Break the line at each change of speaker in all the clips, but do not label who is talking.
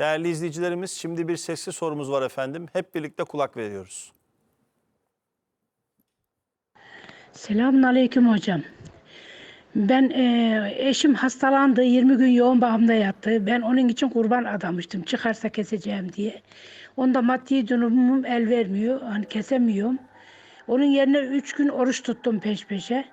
Değerli izleyicilerimiz, şimdi bir sesli sorumuz var efendim. Hep birlikte kulak veriyoruz.
Selamünaleyküm hocam. Ben eşim hastalandı, 20 gün yoğun bakımda yattı. Ben onun için kurban adamıştım, çıkarsa keseceğim diye. Onda maddi durumum el vermiyor, hani kesemiyorum. Onun yerine 3 gün oruç tuttum peş peşe.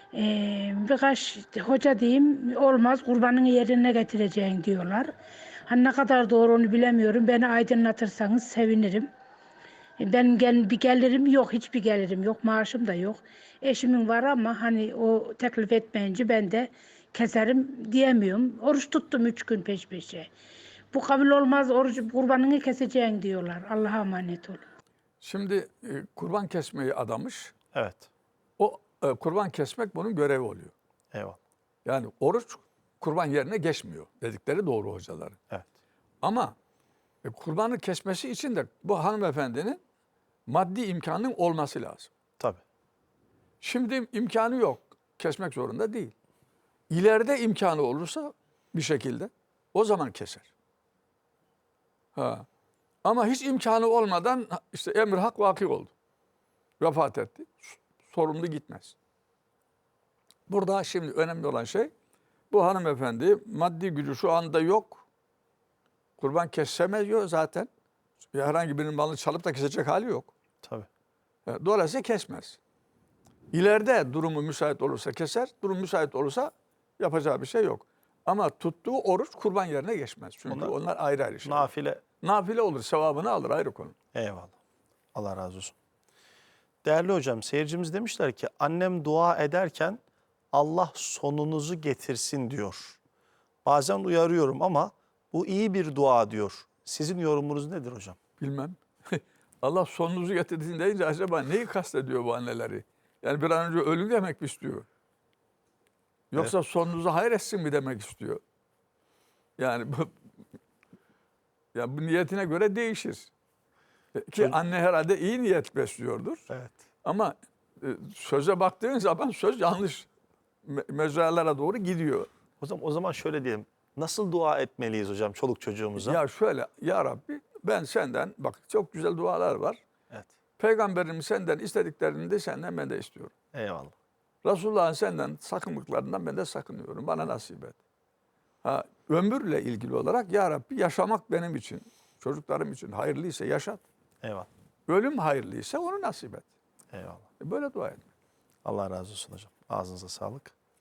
Birkaç hoca diyeyim, olmaz kurbanın yerine getireceksin diyorlar. Hani ne kadar doğru onu bilemiyorum. Beni aydınlatırsanız sevinirim. Ben bir gelirim yok, hiçbir gelirim yok, maaşım da yok. Eşimin var ama hani o teklif etmeyince ben de keserim diyemiyorum. Oruç tuttum 3 gün peş peşe. Bu kabul olmaz, oruç kurbanını keseceksin diyorlar. Allah'a emanet olun.
Şimdi kurban kesmeyi adamış.
Evet.
O kurban kesmek bunun görevi oluyor.
Eyvallah.
Yani oruç kurban yerine geçmiyor dedikleri doğru hocaların.
Evet.
Ama kurbanı kesmesi için de bu hanımefendinin maddi imkanının olması lazım.
Tabii.
Şimdi imkanı yok. Kesmek zorunda değil. İleride imkanı olursa bir şekilde o zaman keser. Ha. Ama hiç imkanı olmadan işte emr hak vaki oldu. Vefat etti. Sorumlu gitmez. Burada şimdi önemli olan şey bu hanımefendi maddi gücü şu anda yok. Kurban kesemiyor zaten. Herhangi birinin malını çalıp da kesecek hali yok.
Tabii.
Dolayısıyla kesmez. İleride durumu müsait olursa keser, durum müsait olursa yapacağı bir şey yok. Ama tuttuğu oruç kurban yerine geçmez. Çünkü onlar ayrı ayrı şeyler.
Nafile.
Nafile olur, sevabını alır ayrı konu.
Eyvallah. Allah razı olsun. Değerli hocam, seyircimiz demişler ki annem dua ederken Allah sonunuzu getirsin diyor. Bazen uyarıyorum ama bu iyi bir dua diyor. Sizin yorumunuz nedir hocam?
Bilmem. Allah sonunuzu getirdiğini deyince acaba neyi kastediyor bu anneleri? Yani bir an önce ölüm demek mi istiyor? Yoksa sonunuzu hayretsin mi demek istiyor? Yani bu niyetine göre değişir. Ki anne herhalde iyi niyet besliyordur.
Evet.
Ama söze baktığın zaman söz yanlış mecralara doğru gidiyor.
O zaman şöyle diyelim. Nasıl dua etmeliyiz hocam çoluk çocuğumuza?
Ya şöyle, ya Rabbi ben senden, bak çok güzel dualar var.
Evet.
Peygamberim senden istediklerini de senden ben de istiyorum.
Eyvallah.
Resulullah'ın senden sakınlıklarından ben de sakınıyorum. Bana nasip et. Ömürle ilgili olarak ya Rabbi yaşamak benim için, çocuklarım için hayırlıysa yaşat.
Eyvallah.
Ölüm hayırlıysa onu nasip et.
Eyvallah.
Böyle dua et.
Allah razı olsun hocam. Ağzınıza sağlık.